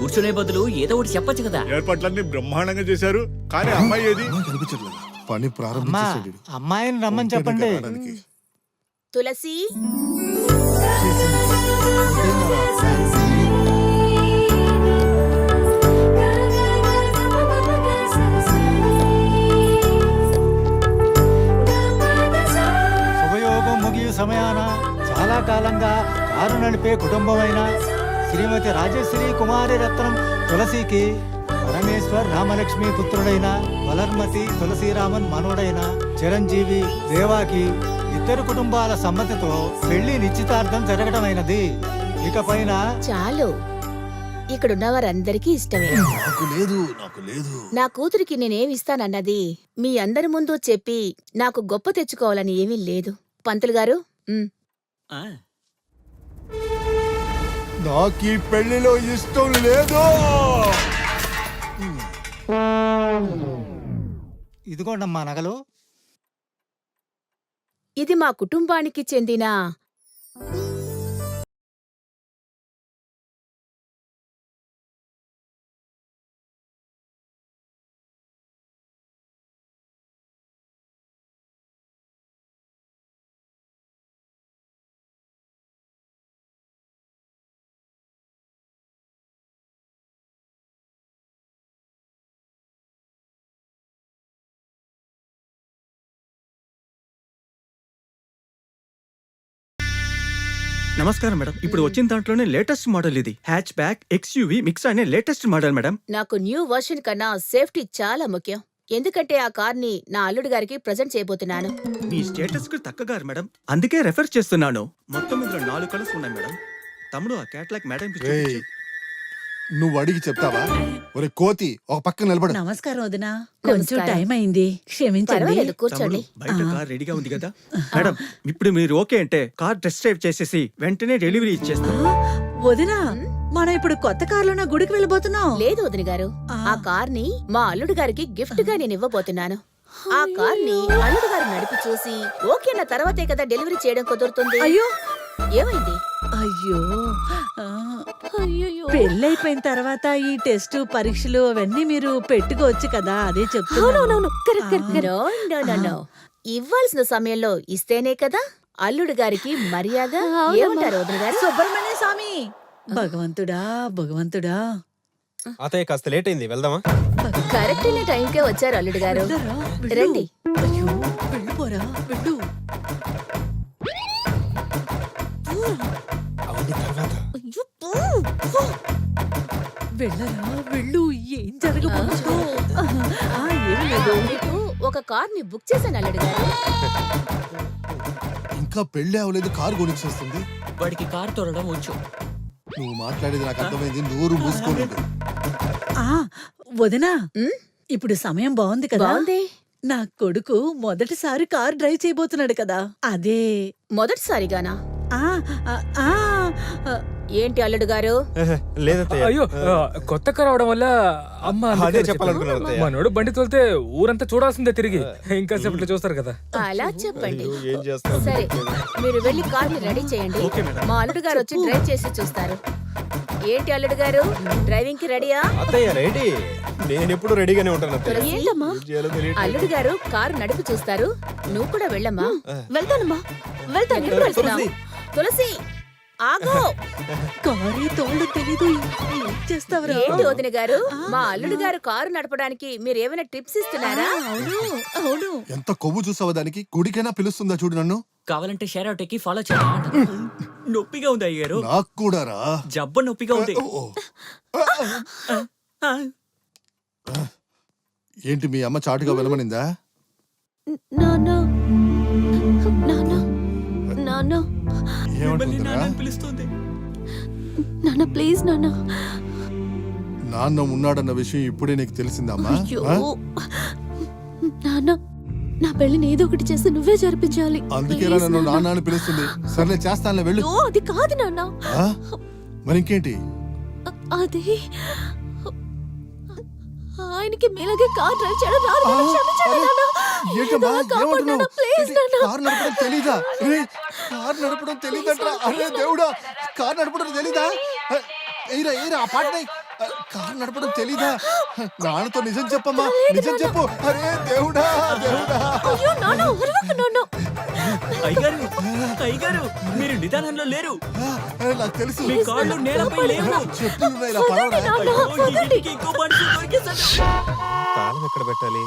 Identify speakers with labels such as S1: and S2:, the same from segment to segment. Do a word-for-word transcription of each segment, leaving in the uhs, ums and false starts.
S1: కూర్చునే బదులు ఏదో ఒకటి చెప్పొచ్చు కదా.
S2: ఏర్పాట్లన్నీ బ్రహ్మాండంగా చేశారు, కానీ అమ్మాయి ఏది
S3: కనిపించట్లేదు. పని ప్రారంభించేసాడు.
S4: అమ్మాయిని రమ్మని చెప్పండి.
S5: తులసి
S4: శుభయోగం ముగియు సమయాన చాలా కాలంగా కారు నడిపే కుటుంబమైన శ్రీమతి రాజశ్రీ కుమారి రత్నం తులసికి పరమేశ్వర్ రామలక్ష్మి పుత్రుడైన వలర్మతి తులసీరామన్ మనోడైన చిరంజీవి దేవాకి ఇద్దరు కుటుంబాల సమ్మతితో పెళ్లి నిశ్చితార్థం జరగడమైనది. ఇకపైన
S5: చాలు, ఇక్కడున్న వారందరికీ ఇష్టమే.
S3: నాకు లేదు నాకు లేదు
S5: నా కూతురికి నేనేమిస్తానన్నది మీ అందరి ముందు చెప్పి నాకు గొప్ప తెచ్చుకోవాలని ఏమీ లేదు. పంతులు గారు, ఉమ్.
S1: ఆ,
S3: నాకు ఈ పెళ్లిలో ఇష్టం లేదు.
S4: ఇదిగోండమ్మా నగలు.
S5: ఇది మా కుటుంబానికి చెందిన
S6: నమస్కారం మేడం. ఇప్పుడు వచ్చిన దాంట్లోనే లేటెస్ట్ మోడల్ ఇది. హ్యాచ్ బ్యాక్ ఎక్స్యూవీ మిక్స్ అనే లేటెస్ట్ మోడల్ మేడం.
S5: నాకు న్యూ వర్షన్ కన్నా సేఫ్టీ చాలా ముఖ్యం. ఎందుకంటే ఆ కార్ని నా అల్లుడు గారికి ప్రజెంట్ చేయబోతున్నాను.
S6: మీ స్టేటస్ కు తగ్గగారు మేడం, అందుకే రెఫర్ చేస్తున్నాను. మొత్తం ఇందులో నాలుగు కలర్స్ ఉన్నాయి మేడం. తమ్ముడు ఆ క్యాట్లాగ్ మేడం
S3: నువ్వు అడిగి చెప్తావా? ఒరే కోతి, ఒక పక్కన నిలబడు.
S7: నమస్కారం వదినా, కొంచెం టైం అయింది, క్షమించండి.
S5: పర్వాలేదు, కూర్చోండి.
S6: బయట కార్ రెడీగా ఉంది కదా మేడం. ఇప్పుడు మీరు ఓకే అంటే కార్ టెస్ట్ డ్రైవ్ చేసేసి వెంటనే డెలివరీ ఇచ్చేస్తాం.
S7: వదినా, మనం ఇప్పుడు కొత్త కారులోనే గుడికి వెళ్ళబోతున్నాం.
S5: లేదు వదిన గారు, ఆ కార్ని మా అల్లుడు గారికి గిఫ్ట్ గా నేను ఇవ్వబోతున్నాను. ఆ కార్ని అల్లుడు గారు నడిపి చూసి ఓకే అన్న తర్వాతే కదా డెలివరీ చేయడం కుదురుతుంది.
S7: అయ్యో,
S5: ఏమైంది?
S7: అయ్యో, ఆ,
S5: అయ్యయ్యో.
S7: పెళ్ళైపోయిన తర్వాత ఈ టెస్ట్ పరీక్షలు అవన్నీ మీరు పెట్టుకోవచ్చు కదా, అదే చెప్తున్నా.
S5: అవునవునవును, correct, correct, correct. No, no, no, no. ఇవ్వాల్సిన సమయంలో ఇస్తేనే కదా అల్లుడు గారికి మర్యాద. ఏమంటారు వదిన గారు?
S7: సుబ్రహ్మణ్య స్వామి, భగవంతుడా భగవంతుడా.
S8: అతయ్య కాస్త లేట్ అయింది, వెళ్దామా?
S5: కరెక్ట్ అయిన టైంకే వచ్చారు అల్లుడు గారు.
S7: వెళ్ళరా, వెళ్ళు.
S5: రండి.
S7: అయ్యో, వెళ్ళిపోరా, వెళ్ళు.
S8: అవన్నీ తర్వాత.
S7: అయ్యో, పో, పో. వెళ్ళరా, వెళ్ళు. ఏం జరగబోతుందో. ఆ, ఏం లేదు.
S5: మీకు ఒక కార్ ని బుక్ చేశాను అల్లుడు గారు.
S3: ఇంకా పెళ్లి అవ్వలేదు, కారు కొనిచ్చేస్తుంది.
S1: వాడికి కారు తోలడం వచ్చు.
S3: నువ్వు మాట్లాడేది నాకు అర్థమైంది, నోరు మూసుకోలేదు.
S7: ఆ, వదినా,
S5: ఉమ్,
S7: ఇప్పుడు సమయం బాగుంది కదా.
S5: బాగుంది.
S7: నా కొడుకు మొదటిసారి కార్ డ్రైవ్ చేయబోతున్నాడు కదా, అదే.
S5: మొదటిసారిగానా?
S7: ఆ, ఆ, ఆ, ఆ,
S5: ఏంటి అల్లుడు గారు?
S8: లేదత్తయ్య.
S9: అయ్యో, ఆ, కొత్త కారు అవడం వల్ల అమ్మ అందుకే
S8: అదే
S9: చెప్పింది.
S8: చెప్పాలనుకున్నాను అత్తయ్య.
S9: మనోడు బండి తోలితే ఊరంతా చూడాల్సిందే తిరిగి. ఇంకా సేపట్లో చూస్తారు కదా.
S5: అలా చెప్పండి.
S8: అయ్యో, ఏం చేస్తాం?
S5: సరే, మీరు వెళ్ళి కార్ని రెడీ చేయండి.
S6: Okay madam.
S5: మా అల్లుడు గారు వచ్చి డ్రైవ్ చేసి చూస్తారు. ఏంటి అల్లుడు గారు, డ్రైవింగ్ కి రెడీయా?
S8: అత్తయ్య రెడీ. నేను ఎప్పుడు రెడీగానే ఉంటాను అత్తయ్య.
S5: తులసి,
S8: ఏం చేయాలో తెలియట్లేదు.
S5: అల్లుడు గారు కారు నడిపి చూస్తారు. నువ్వు కూడా వెళ్ళమ్మా. వెళ్తానమ్మా, వెళ్తాను. ఎప్పుడు వెళ్తున్నావు? తులసి, ఆగో.
S7: కారే తోళ్ళు తెలీదు, ఏం చేస్తావురా?
S5: ఏంటి వదిన గారు, మా అల్లుడు గారు కారు నడపడానికి మీరు ఏమైనా టిప్స్ ఇస్తున్నారా?
S7: అవును, అవును.
S3: ఎంత కొవ్వు చూసావా దానికి? గుడికైనా పిలుస్తుందా చూడు నన్ను.
S1: కావాలంటే షేర్ అవుట్ ఎక్కి ఫాలో చేయాలి. నొప్పిగా ఉంది అయ్యారు.
S3: నాకు కూడా రా.
S1: జబ్బ నొప్పిగా ఉంది.
S3: ఓ,
S1: ఆ,
S3: ఏంటి మీ అమ్మ చాటుగా వెళ్ళమనిందా?
S5: నాన్న, నాన్న, నాన్న,
S1: మిమ్మల్ని
S3: ఏమంటుందిరా?
S1: నాన్న పిలుస్తుంది.
S5: నాన్న ప్లీజ్ నాన్న.
S3: నాన్న ఉన్నాడన్న విషయం ఇప్పుడే నీకు తెలిసిందమ్మా?
S5: అయ్యో
S3: ఆ?
S5: నాన్న, నా పెళ్లిని ఏదో ఒకటి చేసి నువ్వే జరిపించాలి.
S3: అందుకేరా నన్ను నాన్న అని పిలుస్తుంది. సర్లే చేస్తానులే, వెళ్ళు.
S5: అయ్యో, అది కాదు నాన్న.
S3: ఆ? మరి ఇంకేంటి?
S5: అది ఆయనకి మీలాగే కార్ డ్రైవ్ చేయడం రాదు నాన్న. క్షమించండి నాన్న.
S3: ఏంటమ్మా
S5: ఏదో కాపాడు నాన్న, ప్లీజ్ నాన్న.
S3: కారు నడపడం తెలీదా? రే, కారు నడపడం తెలీదట్రా. అరే దేవుడా, కారు నడపడం తెలీదా? ఎయిరా ఎయిరా ఆ పాటని కారు నడపడం తెలీదా? నాన్నతో నిజం చెప్పమ్మా, నిజం చెప్పు. అరే దేవుడా, దేవుడా.
S1: అయ్యగారు అయ్యగారు మీరు నిదానంలో లేరు.
S3: అరే, నాకు తెలుసు.
S1: మీ కాళ్ళు నేలపై లేవు.
S3: చెప్పులున్నాయి, ఇలా పడవరా.
S1: అయ్యో, ఈ ఇంటికి ఇంకో మనిషి దొరికేశాడు.
S8: తాళం ఎక్కడ పెట్టాలి?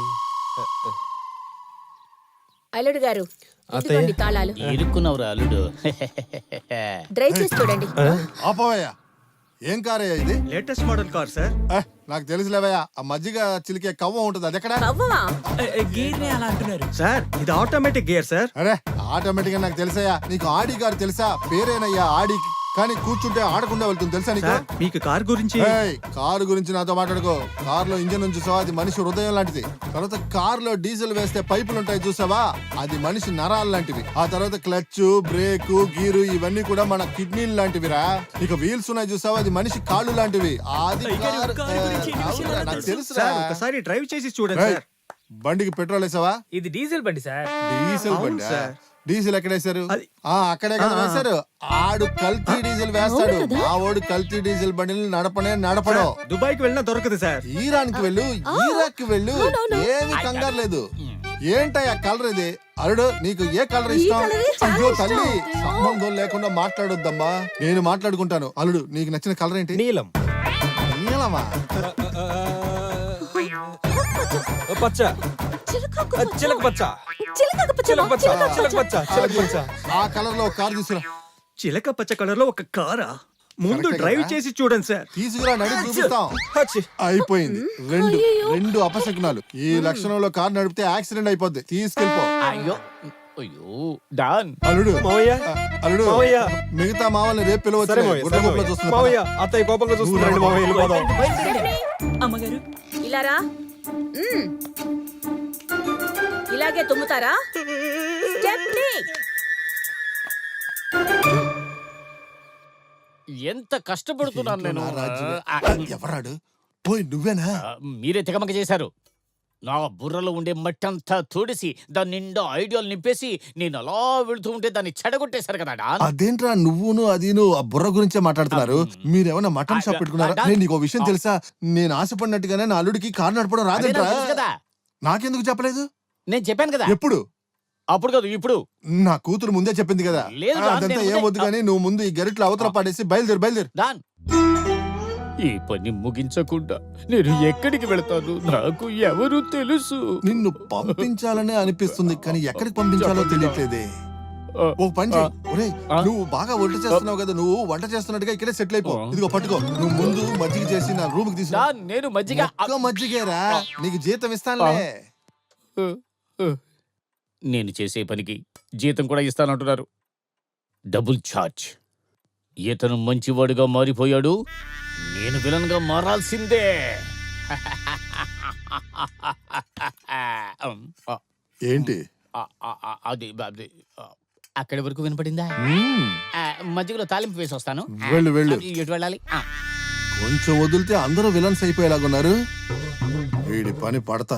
S5: అల్లుడు గారు ఇదిగోండి తాళాలు.
S1: ఇరుక్కున్నవరా అల్లుడు.
S5: డ్రైవ్ చేసి చూడండి.
S3: ఆపవయ్యా, ఏం కారయ్యా ఇది?
S6: Latest model car sir.
S3: ఏ, నాకు తెలుసులేవయ్యా, ఆ మజ్జిగ చిలికే కవ్వం ఉంటుంది, అది ఎక్కడ?
S5: కవ్వమా?
S1: గీర్నే అలా అంటున్నారు.
S6: సార్ ఇది ఆటోమేటిక్ గేర్ సార్.
S3: అరే ఆటోమేటిక్ గా నాకు తెలుసయ్యా. నీకు ఆడి కారు తెలుసా? పేరేనయ్యా ఆడి, కానీ కూర్చుంటే ఆడకుండా వెళ్తుంది, తెలుసా నీకు?
S6: సార్ మీకు కార్ గురించి
S3: ఏయ్, కారు గురించి నాతో మాట్లాడుకో. కార్ లో ఇంజన్ నుంచి చూసావా, అది మనిషి హృదయం లాంటిది. తర్వాత కార్ లో డీజిల్ వేస్తే పైపులు ఉంటాయి చూసావా, అది మనిషి నరాలు లాంటివి. ఆ తర్వాత క్లచ్, బ్రేక్, గీరు ఇవన్నీ కూడా మన కిడ్నీలు లాంటివిరా. ఇక వీల్స్ ఉన్నాయి చూసావా, అది మనిషి కాళ్ళు లాంటివి. అది
S1: అయ్యగారు,
S3: కారు-
S1: కారు గురించి ఎన్ని
S3: అవునురా,
S1: విషయాలు
S3: నాకు
S1: తెలుసు?
S3: తెలుసురా.
S6: సార్ ఒకసారి డ్రైవ్ చేసి చూడండి
S3: ఏయ్,
S6: సార్.
S3: బండికి పెట్రోల్ వేసావా?
S9: ఇది డీజిల్ బండి సార్.
S3: డీజిల్
S6: అవును
S3: బండి
S6: సార్.
S3: డీజిల్ ఎక్కడ వేశారు?
S6: అది-
S3: ఆ అక్కడే కదా వేశారు. ఆడు కల్తీ డీజిల్ వేస్తాడు, మా వాడు కల్తీ డీజిల్ బండిని నడపనే నడపడం.
S6: దుబాయ్ కి వెళ్ళినా దొరకదు సార్.
S3: ఈరాన్కి వెళ్ళు, ఇరాక్ కి వెళ్ళు, ఏమి కంగారు లేదు. ఏంటయ్యా కలర్ ఇది? అల్లుడు నీకు ఏ కలర్ ఇష్టం? అయ్యో తల్లి, సంబంధం లేకుండా మాట్లాడొద్దమ్మా, నేను మాట్లాడుకుంటాను. అల్లుడు నీకు నచ్చిన కలర్ ఏంటి?
S8: నీలం.
S3: నీలమా?
S8: పచ్చ. చిలక పచ్చ. చిలక పచ్చ. చిలక పచ్చ. చిలక పచ్చ.
S3: ఆ కలర్ లో కార్ తీసుకురా.
S6: చిలక పచ్చ కలర్ లో ఒక కారా? ముందు
S3: కరెక్టే
S6: డ్రైవ్
S3: కదా?
S6: చేసి చూడండి సార్.
S3: తీసుకురా, నడి చూపిస్తాం.
S8: హచ్చి.
S3: అయిపోయింది. రెండు రెండు అపశకునాలు. ఈ లక్షణంలో కార్ నడిపితే యాక్సిడెంట్ అయిపోద్ది. తీసుకెళ్ళిపో.
S1: అయ్యో అయ్యో డాన్.
S3: అల్లుడు
S8: మావయ్య.
S3: ఆ, అల్లుడు
S8: మావయ్య.
S3: మిగతా మావల్ని రేపు
S8: సరే
S3: పిలవచ్చు.
S8: మావయ్య,
S3: గుడ్ల
S8: సరే
S3: గుడ్ల
S8: మావయ్య.
S3: చూస్తున్నా.
S8: మావయ్య అత్తయ్య కోపంగా చూస్తున్నారండి మావయ్య, వెళ్ళిపోదాం.
S1: అమ్మగారు
S5: ఇలా రా. మ్మ్. ఇలాగే తుమ్ముతారా? స్టెప్నీ.
S1: ఎంత కష్టపడుతున్నాను నేను.
S3: నా రాజ్యం.
S1: ఆ,
S3: ఎవరాడు? పోయి నువ్వేనా?
S1: ఆ, మీరే తెగమక చేశారు. నా బుర్రలో ఉండే మట్టి అంతా తోడిసి దాని నిండా ఐడియాలు నింపేసి నేను అలా వెళుతూ ఉంటే దాన్ని చెడగొట్టేశారు కదా డాన్.
S3: అదేంట్రా నువ్వును అదిను ఆ బుర్ర గురించే మాట్లాడుతున్నారు? మీరేమన్నా మటన్ షాప్ పెట్టుకున్నారా? నేను నీకు విషయం తెలుసా? నేను ఆశపడినట్టుగానే నా అల్లుడికి కారు నడపడం
S1: అదే
S3: రాదంట్రా.
S1: నాకు తెలుసు కదా.
S3: నాకెందుకు చెప్పలేదు?
S1: నేను చెప్పాను కదా.
S3: ఎప్పుడు?
S1: అప్పుడు కాదు ఇప్పుడు.
S3: నా కూతురు ముందే చెప్పింది కదా.
S1: లేదు,
S3: ఆ,
S1: రా,
S3: అదంతా
S1: నేను
S3: ఏం వద్దు
S1: ముందే-
S3: కానీ నువ్వు ముందు ఈ గరిట్లో అవతల పాడేసి బయలుదేరు బయలుదేరు.
S1: డాన్, ఈ పని ముగించకుండా నేను ఎక్కడికి వెళతాను? నాకు ఎవరు తెలుసు.
S3: నిన్ను పంపించాలనే అనిపిస్తుంది కానీ ఎక్కడికి పంపించాలో తెలియట్లేదే. ఓ పని చెయ్. ఒరేయ్,
S1: ఆ?
S3: నువ్వు బాగా వంట చేస్తున్నావు కదా, నువ్వు వంట చేస్తున్నట్టుగా ఇక్కడే సెటిల్ అయిపో. ఇదిగో పట్టుకో, నువ్వు ముందు మజ్జిగ చేసి నా రూమ్ కి తీసుకు.
S1: డాన్, నేను మజ్జిగ
S3: ఒక్క మజ్జిగేరా, నీకు జీతం ఇస్తానులే.
S1: నేను చేసే పనికి జీతం కూడా ఇస్తానంటున్నారు. Double charge. ఇతను మంచివాడుగా మారిపోయాడు, నేను విలన్ గా మారాల్సిందే.
S3: ఏంటి?
S1: ఆ, ఆ, ఆ, అది అది, ఆ, అక్కడి వరకు వినపడిందా?
S3: మ్మ్.
S1: ఆ, మజ్జిగలో తాలింపు వేసి వస్తాను.
S3: వెళ్ళు వెళ్ళు.
S1: ఆ, ఎటు వెళ్ళాలి? ఆ.
S3: కొంచెం వదిలితే అందరూ విలన్స్ అయిపోయేలాగున్నారు. వీడి పని పడతా.